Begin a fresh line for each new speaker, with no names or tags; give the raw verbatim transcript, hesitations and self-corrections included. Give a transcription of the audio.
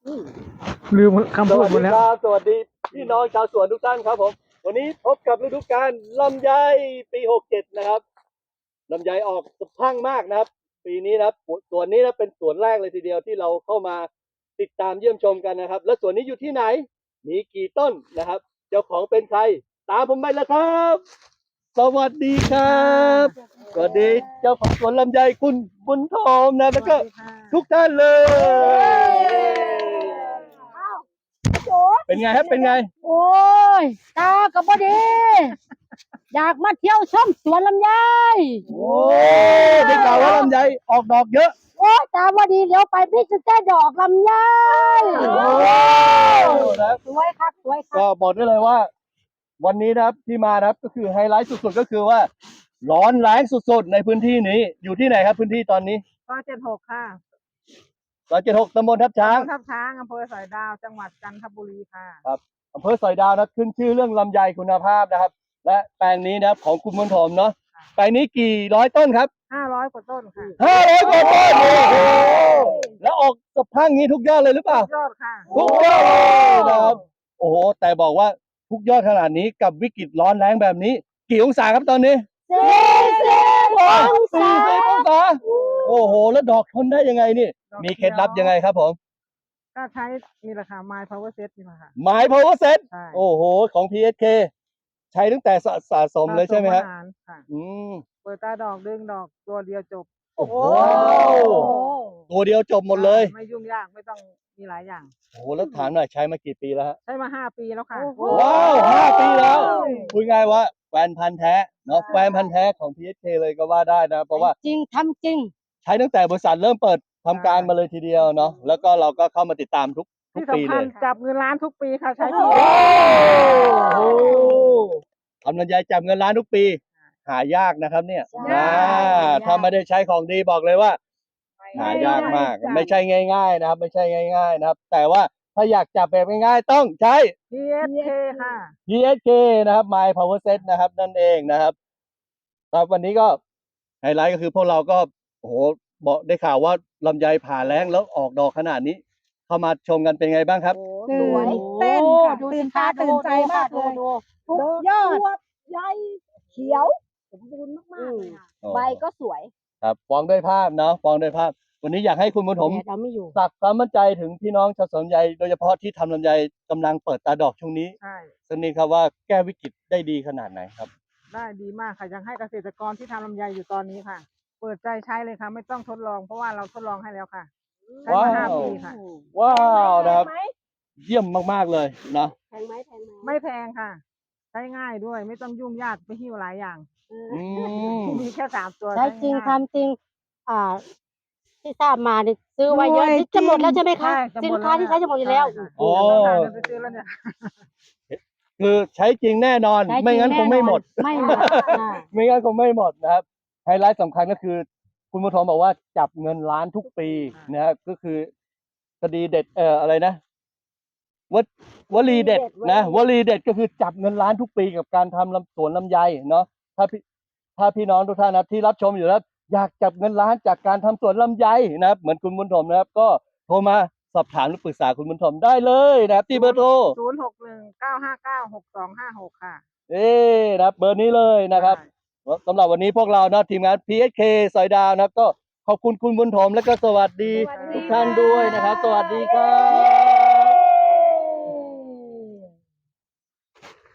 ลืมคำพูดหมดแล้ว
สวัสดีพี่น้องชาวสวนทุกท่านครับผมวันนี้พบกับฤดูกาลลำไยปีหกเจ็ดนะครับลำไยออกสะพรั่งมากนะครับปีนี้นะครับสวนนี้นะเป็นสวนแรกเลยทีเดียวที่เราเข้ามาติดตามเยี่ยมชมกันนะครับและสวนนี้อยู่ที่ไหนมีกี่ต้นนะครับเจ้าของเป็นใครตามผมไปแล้วครับสวัสดีครับสวัสดีเจ้าของสวนลำไยคุณบุญทองนะแล้วก็ทุกท่านเลยเป็นไงครับเป็นไง
โอ้ยตากับบดีอยากมาเที่ยวชมสวนลำไย
โอ้ได้ข่าวว่าลำไยออกดอกเยอะ
โอ้ตาบดีเดี๋ยวไปพิจิตรดอกลำไยโอ้สวยครับสวยครับ
ก็บอกได้เลยว่าวันนี้นะครับที่มานะครับก็คือไฮไลท์สุดๆก็คือว่าร้อนแรงสุดๆในพื้นที่นี้อยู่ที่ไหนครับพื้นที่ตอนนี้
ซอยเจ็ดหกค่ะ
ซอยเจ็ดหกตำบลทับช้าง
ทับช้างอำเภอสอยดาวจังหวัดจันทบุรีค่ะ
ครับอำเภอสอยดาวนะขึ้นชื่อเรื่องลำไยคุณภาพนะครับและแปลงนี้นะครับของคุณบุญถมเนาะแปลงนี้กี่ร้อยต้นครับ
ห้าร้อยกว่าต้นค่ะ
ห้าร้อยกว่าต้นโอ้โหแล้วออกสะพรั่งนี้ทุกยอดเลยหรือเปล่า
ทุกยอดค่ะ
ทุกยอดเลยนะครับโอ้โหแต่บอกว่าทุกยอดขนาดนี้กับวิกฤตร้อนแรงแบบนี้กี่องศาครับตอนนี้
สี่สิบองศา
สี่สิบองศาโอ้โหแล้วดอกทนได้ยังไงนี่มีเคล็ดลับยังไงครับผม
ก็ใช้นี่แหละค่ะ My Power Set นี่แหละค่ะ
My Power Set โอ้โหของ พี เอส เค ใช้ตั้งแต่สะสมเลยใช่ไหมครับ
อืมเปิดตาดอกดึงดอกตัวเดียวจบ
โอ้โหตัวเดียวจบหมดเลย
ไม่ยุ่งยากไม่ต้องมีหลายอย่าง
โอ้โหแล้วถามหน่อยใช้มากี่ปีแล้วฮะ
ใช้มาห้าปีแล้วค่ะ
ว้าวห้าปีแล้วคุยง่ายว่าแฟนพันธุ์แท้เนาะแฟนพันธุ์แท้ของ พี เอส เค เลยก็ว่าได้นะเพราะว่า
จริงทำจริง
ใช้ตั้งแต่บริษัทเริ่มเปิดทำการมาเลยทีเดียวเนาะแล้วก็เราก็เข้ามาติดตามทุกทุกปีเลย
จับเงินล้านทุกปีค่ะใช้ที
โอ้ทำลำไยจับเงินล้านทุกปีหายากนะครับเนี่ยนะถ้าไม่ได้ใช้ของดีบอกเลยว่าหายากมากไม่ใช่ง่ายๆนะครับไม่ใช่ง่ายๆนะครับแต่ว่าถ้าอยากจับแบบง่ายๆต้องใช้
พี เอส เค ค่ะ
พี เอส เค นะครับ My Power Set นะครับนั่นเองนะครับครับวันนี้ก็ไฮไลท์ก็คือพวกเราก็โอ้โหบอกได้ข่าวว่าลำไยผ่าแล้งแล้วออกดอกขนาดนี้เข้ามาชมกันเป็นไงบ้างครับ
สวยเต้นค่ะตื่นตาตื่นใจมากเลยทุกยอดใหญ่เขียวสมบูรณ์มากๆเลยค่ะใบก็สวย
ครับฟ้องด้วยภาพเนาะฟ้องด้วยภาพวันนี้อยากให้คุณบุญถมสักความมั่นใจถึงพี่น้องชาวสวนลำไยโดยเฉพาะที่ทำลำไยกำลังเปิดตาดอกช่วงนี้
ใช่
สักนิดครับว่าแก้วิกฤตได้ดีขนาดไหนครับ
ได้ดีมากค่ะยังให้เกษตรกรที่ทำลำไยอยู่ตอนนี้ค่ะเปิดใจใช้เลยค่ะไม่ต้องทดลองเพราะว่าเราทดลองให้แล้วค่ะใช้มาห้าปีค่ะ
ว้าวนะครับเยี่ยมมากๆเลยนะ
แพงไหมแพงไหม
ไม่แพงค่ะใช้ง่ายด้วยไม่ต้องยุ่งยากไปหิ้วหลายอย่างมีแค่สามตัว
ใช้จริงทำจริงอ่าที่ทราบมาเนี่ยซื้อไว้เยอะจะหมดแล้วใช่ไหมคะสินค้าที่ใช้จะหมดอยู่แล้ว
โอ้คือใช้จริงแน่นอนไม่งั้นคงไม่หมด
ไม่หมด
ไม่งั้นคงไม่หมดนะครับไฮไลท์สำคัญก็คือคุณบุญถมบอกว่าจับเงินล้านทุกปีนะครับก็คือคดีเด็ดเอ่ออะไรนะววลีเด็ดนะวลีเด็ดก็คือจับเงินล้านทุกปีกับการทำลำสวนลำไยเนาะถ้าพี่ถ้าพี่น้องทุกท่านนะที่รับชมอยู่แล้วอยากจับเงินล้านจากการทำสวนลำไยนะครับเหมือนคุณบุญถมนะครับก็โทรมาสอบถามหรือปรึกษาคุณบุญถมได้เลยนะครับที่เบอร์โทร
ศูนย์หกหนึ่งเก้าห้าเก้าหกสองห้าหกค่ะ
เอ๊นะครับเบอร์นี้เลยนะครับสำหรับวันนี้พวกเรานะทีมงาน พี เอส เค สอยดาวนะครับก็ขอบคุณคุณบุญถมและก็สวัสดีทุกท่านด้วยนะครับสวัสดีครับ